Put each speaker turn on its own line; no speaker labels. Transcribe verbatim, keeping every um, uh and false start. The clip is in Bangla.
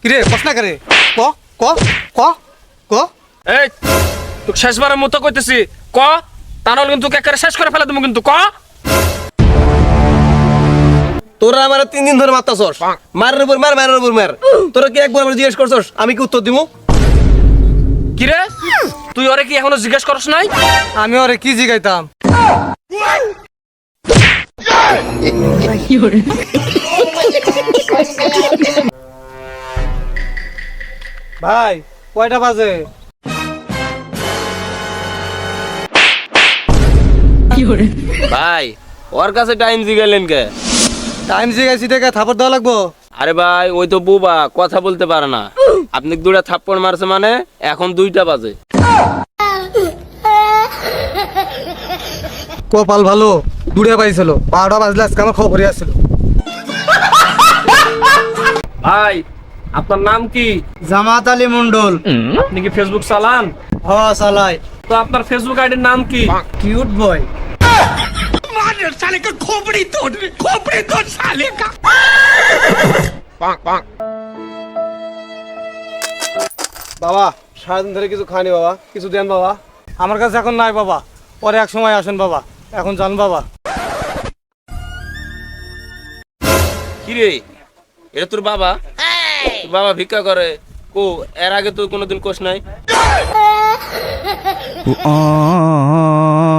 কিরে প্রশ্ন করে ক ক ক ক
এই তুই শেষবারের মতো কইতেছি ক তা নাহলে কিন্তু তোকে একেবারে শেষ করে ফেলে দেবো কিন্তু ক।
তোরা আমার তিন দিন ধরে মারতাছস, মারের উপর মার মারের উপর মার। তোরা কি একবার আমার জিজ্ঞেস করছস আমি কি উত্তর দিমু?
কিরে তুই ওরে কি এখনো জিজ্ঞেস করছ নাই?
আমি ওরে কি জিগাইতাম? ভাই কয়টা বাজে?
ভাই ওর কাছে টাইম জিগাইলেন কে?
টাইম জিগাইছি দেখে থাপড় দেওয়া লাগবো?
আরে ভাই ওই তো বুবা, কথা বলতে পারে না। আপনি দুইটা থাপ্পড় মারছে মানে এখন দুইটা বাজে।
কপাল ভালো দূরে পাইছিল, বারোটা বাজলে আজকে আমার খবরই আসছিল।
ভাই আপনার নাম কি?
জামাত আলী মন্ডল।
আপনি কি ফেসবুক চালান?
হ চালাই।
তো আপনার ফেসবুক আইডির নাম কি?
Cute boy. বাবা সারাদিন ধরে কিছু খানি বাবা, কিছু দেন বাবা। আমার কাছে এখন নাই বাবা, পরে এক সময় আসেন বাবা, এখন যান বাবা।
কিরে এটা তোর বাবা? তোর বাবা ভিক্ষা করে কো? এর আগে তুই কোনোদিন কোষ নাই?